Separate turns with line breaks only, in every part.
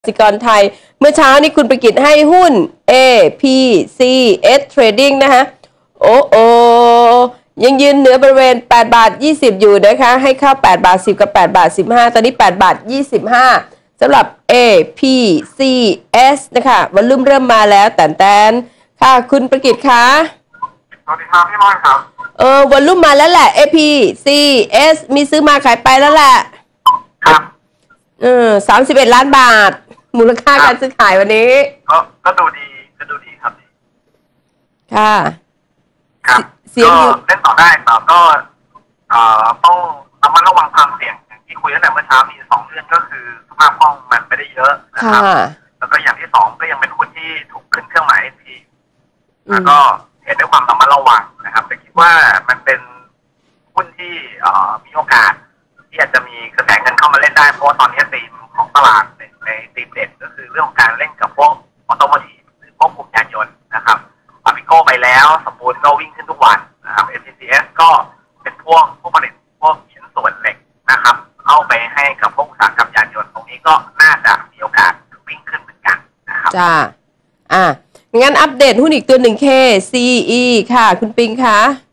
กสิกรไทยเมื่อเช้านี้คุณประกิตให้หุ้น APCS Trading นะคะโอยังยืนเหนือบริเวณ8 บาท 20อยู่นะคะให้เข้า8 บาท 10กับ8 บาท 15ตอนนี้8 บาท 25สำหรับ APCS นะคะวอลลุ่มเริ่มมาแล้วแต่ค่ะคุณประกิตคะ
สวัสดีครับพี่มอนครับ
วอลลุ่มมาแล้วแหละ APCS มีซื้อมาขายไปแล้วแหละ
ครับ
31 ล้านบาทมูลค่าการซื้อขายวันนี้
ก็ดูดีครับ
ค่ะ
ครับเสียงเล่นต่อได้แต่ก็ต้องระมัดระวังความเสี่ยงอย่างที่คุยตั้งแต่เมื่อเช้ามี2เรื่องก็คือสภาพคล่องมันไม่ได้เยอะนะครับแล้วก็อย่างที่2ก็ยังเป็นหุ้นที่ถูกขึ้นเครื่องหมายทีแล้วก็เห็นด้วยความระมัดระวังนะครับแต่คิดว่ามันเป็นหุ้นที่มีโอกาสที่อาจจะมีกระแสเงินเข้ามาเล่นได้เพราะว่าตอนนี้ธีมของตลาดในธีมเด่นก็คือเรื่องของการเล่นกับพวกออโตโมทีฟหรือพวกกลุ่มยานยนต์นะครับอาบิโก้ไปแล้วสปูนก็วิ่งขึ้นทุกวันนะครับ MCCS ก็เป็นพวกผลิตพวกชิ้นส่วนเหล็กนะครับเข้าไปให้กับพวกอุตสาหกรรมยานยนต์ตรงนี้ก็น่าจะมีโอกาสวิ่งขึ้นเหมือนกันนะครับ
จ้างั้นอัปเดตหุ้นอีกตัวหนึ่ง KCE ค่ะคุณปิงคะ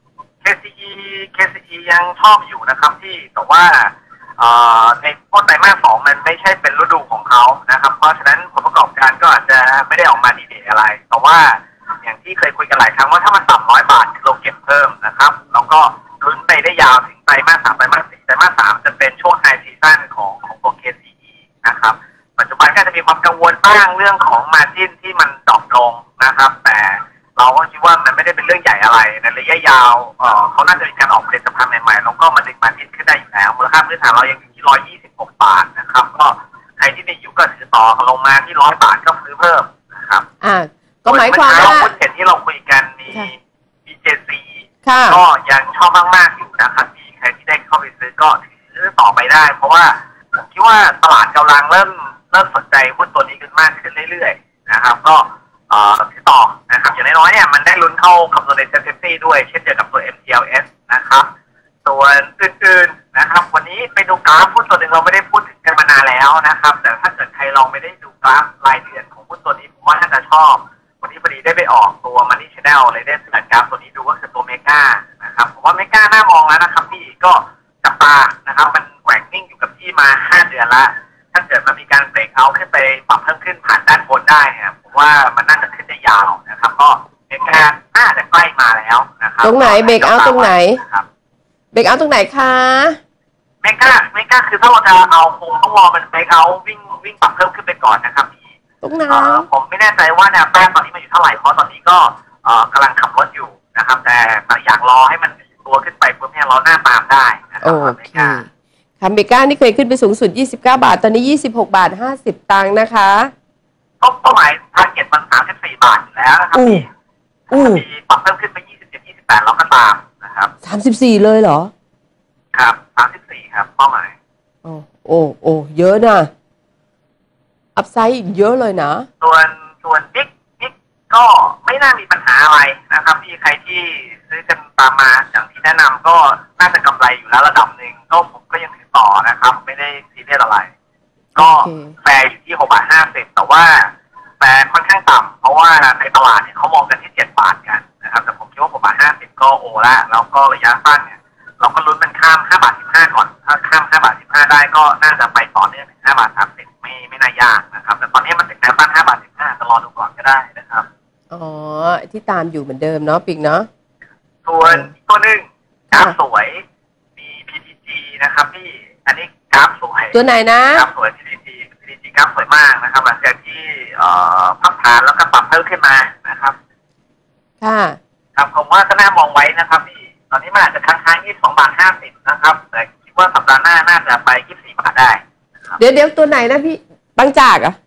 KCE ยังชอบอยู่นะครับที่แต่ว่าในพวกไตรมาส 2มันไม่ใช่เป็นฤดูของเขานะครับเพราะฉะนั้นผลประกอบการก็อาจจะไม่ได้ออกมาดีเด่นอะไรแต่ว่าอย่างที่เคยคุยกันหลายครั้งว่าถ้ามันต่ำ100 บาทเราเก็บเพิ่มนะครับแล้วก็ลุ้นไปได้ยาวถึงไตรมาส 3ไตรมาส 4ไตรมาส 3จะเป็นช่วงไฮซีซั่นของตัว KCE นะครับปัจจุบันก็จะมีความกังวลบ้างเรื่องของมาร์จิ้นที่มันดรอปลงนะครับแต่เราก็คิดว่ามันไม่ได้เป็นเรื่องใหญ่อะไรในระยะยาวเขาน่าจะมีการออกผลิตภัณฑ์ใหม่ๆแล้วก็มันดึงมาร์จิ้นขึ้นได้อยู่แล้วมูลค่าพื้นฐานเรายังอยู่ที่126 บาทนะครับก็ใครที่มีอยู่ก็ถือต่อลงมาที่100 บาทก็ซื้อเพิ่มนะครับ
ก็หมายความว่า
หุ้นเห็นที่เราคุยกันมี BJC ก็ยังชอบมากๆอยู่นะครับมีใครที่ได้เข้าไปซื้อก็ถือต่อไปได้เพราะว่าผมคิดว่าตลาดกำลังเริ่มสนใจหุ้นตัวนี้กันมากขึ้นเรื่อยๆนะครับก็ที่ต่อนะครับอย่างน้อยๆเนี่ยมันได้ลุ้นเข้าคำนวณในเซ็นซี่ด้วยเช่นเดียวกับตัว MTLS นะครับส่วนอื่นๆนะครับวันนี้ไปดูกราฟหุ้นตัวหนึ่งเราไม่ได้พูดถึงกันมานานแล้วนะครับแต่ถ้าเกิดใครลองไม่ได้ดูกราฟรายเดือนของหุ้นตัวนี้ผมว่าน่าจะชอบวันนี้พอดีได้ไปออกตัว Money Channel เลยได้สังกราฟตัวนี้ดูก็คือตัวเมกานะครับผมว่าเมกาน่ามองแล้วนะครับพี่ก็จับตานะครับมันแกว่งนิ่งอยู่กับที่มา5 เดือนละถ้าเกิดมันมีการเบรกเอาขึ้นไปปรับเพิ่มขึ้นผ่านด้านบนได้เนี่ยผมว่ามันน่าจะขึ้นได้ยาวนะครับก็เมกาน่าจะใกล้มาแล้วนะครับ
ตรงไหนเบรกเอาตรงไหนเบรกเอาตรงไหนคะ
เมกาคือถ้าเราจะเอาคงต้องรอมันเบรกเอาวิ่งปรับเพิ่มขึ้นไปก่อนนะครับพี่
ตรงไหน
ผมไม่แน่ใจว่าแนวต้านตอนนี้มันอยู่เท่าไหร่เพราะตอนนี้ก็กำลังขับรถอยู่นะครับแต่อยากรอให้มันตัวขึ้นไปเพื่อให้เราหน้าตามได้นะครับเมกา
ค่ะเมกานี่เคยขึ้นไปสูงสุด29 บาทตอนนี้26 บาท 50 ตังค์นะคะ
เป้าหมายทาร์เก็ตมัน34 บาทอยู่แล้วนะครับพี่มีปรับเพิ่มขึ้นไป27 28เราก็ตามนะครับ
34เลยเหรอ
ครับ34ครับเป้าหมาย
โอ้เยอะนะอัพไซด์เยอะเลยนะ
ส่วนบิ๊กก็ไม่น่ามีปัญหาอะไรนะครับพี่ใครที่ซื้อกันตามมาอย่างที่แนะนำก็น่าจะกำไรอยู่แล้วระดับหนึ่งก็ผมก็ยังถือต่อนะครับไม่ได้ซีเรียสอะไรก็แฟร์อยู่ที่6 บาท 50แต่ว่าแฟร์ค่อนข้างต่ำเพราะว่าในตลาดเนี่ยเขามองกันที่7 บาทกันนะครับแต่ผมคิดว่า6 บาท 50ก็โอแล้วก็ระยะสั้นเนี่ยเราก็ลุ้นมันข้าม5 บาท 15ก่อนถ้าข้าม5 บาท 15ได้ก็น่าจะไปต่อเนื่องถึง5 บาท 30ไม่น่ายากนะครับแต่ตอนนี้มันถึงแนวต้าน5 บาท 15จะรอดูก่อนก็ได้นะครับ
ที่ตามอยู่เหมือนเดิมเนาะปิงเนาะ
ส่วนตัวหนึ่งกราฟสวยมี PTG นะครับพี่อันนี้กราฟสวย
ตัวไหนนะ
กราฟสวย PTG กราฟสวยมากนะครับหลังจากที่พักฐานแล้วก็ปรับเพิ่มขึ้นมานะครับ
ค่ะ
ครับผมว่าก็น่ามองไว้นะครับพี่ตอนนี้มันอาจจะค้าง22 บาท 50นะครับแต่คิดว่าสัปดาห์หน้าน่าจะไป24 บาทได้
เดี๋ยวตัวไหนนะพี่บางจากอ่ะ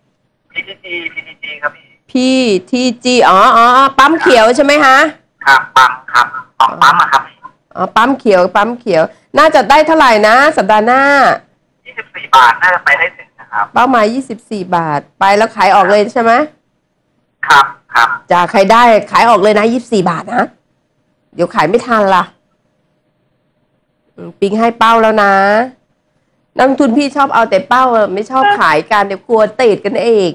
PTG ครับพี่
PTG ปั๊มเขียวใช่ไหมฮะ
ครับปั๊มครับปั๊มครับ
ปั๊มเขียวน่าจะได้เท่าไหร่นะสัปดาห์หน้า
24 บาทน่าจะไปได้ถึงนะครับ
เป้าหมาย24 บาทไปแล้วขายออกเลยใช่ไหม
ครับ
จะใครได้ขายออกเลยนะ24 บาทนะเดี๋ยวขายไม่ทันล่ะปิงให้เป้าแล้วนะนักลงทุนพี่ชอบเอาแต่เป้าไม่ชอบขายกันเดี๋ยวกลัวติดกันเอง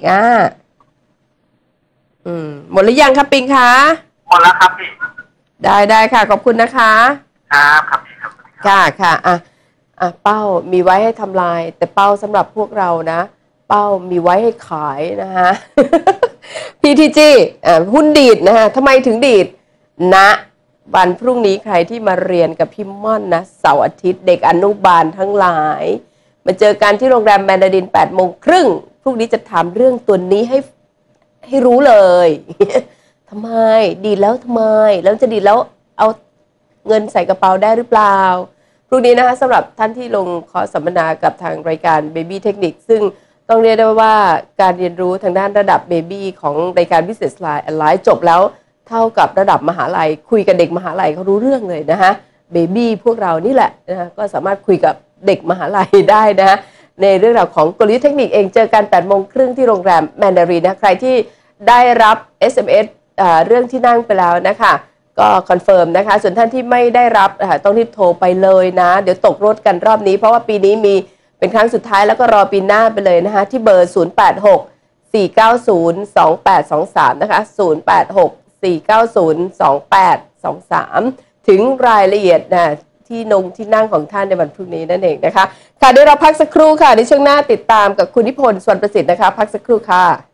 หมดหรือยังครับปิงคะ
หมดแล้วครับพี่
ได้ค่ะขอบคุณนะคะ
ครับพี่ครับ
ค่ะเป้ามีไว้ให้ทำลายแต่เป้าสำหรับพวกเรานะเป้ามีไว้ให้ขายนะฮะ PTG หุ้นดีดนะฮะทำไมถึงดีดนะวันพรุ่งนี้ใครที่มาเรียนกับพี่ม่อนนะเสาร์อาทิตย์เด็กอนุบาลทั้งหลายมาเจอกันที่โรงแรมแมนดาริน8 โมงครึ่งพรุ่งนี้จะถามเรื่องตัวนี้ให้รู้เลย ทำไมดีดแล้วทำไมแล้วจะดีดแล้วเอาเงินใส่กระเป๋าได้หรือเปล่าพรุ่งนี้นะคะสำหรับท่านที่ลงคอร์สสัมมนากับทางรายการ Baby Technique ซึ่งต้องเรียกได้ว่าการเรียนรู้ทางด้านระดับ Baby ของรายการ Business Line จบแล้วเท่ากับระดับมหาลัยคุยกับเด็กมหาลัยเขารู้เรื่องเลยนะคะ Baby พวกเรานี่แหละนะก็สามารถคุยกับเด็กมหาลัยได้นะในเรื่องราวของกลยุทธ์เทคนิคเองเจอกัน8 โมงครึ่งที่โรงแรมแมนดารินนะใครที่ได้รับ SMS เรื่องที่นั่งไปแล้วนะคะก็คอนเฟิร์มนะคะส่วนท่านที่ไม่ได้รับต้องรีบโทรไปเลยนะเดี๋ยวตกรถกันรอบนี้เพราะว่าปีนี้มีเป็นครั้งสุดท้ายแล้วก็รอปีหน้าไปเลยนะคะที่เบอร์ 086-490-2823 นะคะ 086-490-2823 ถึงรายละเอียดนะที่นั่งของท่านในวันพรุ่งนี้นั่นเองนะคะค่ะเดี๋ยวเราพักสักครู่ค่ะในช่วงหน้าติดตามกับคุณนิพนธ์ สวรรณประสิทธิ์นะคะพักสักครู่ค่ะ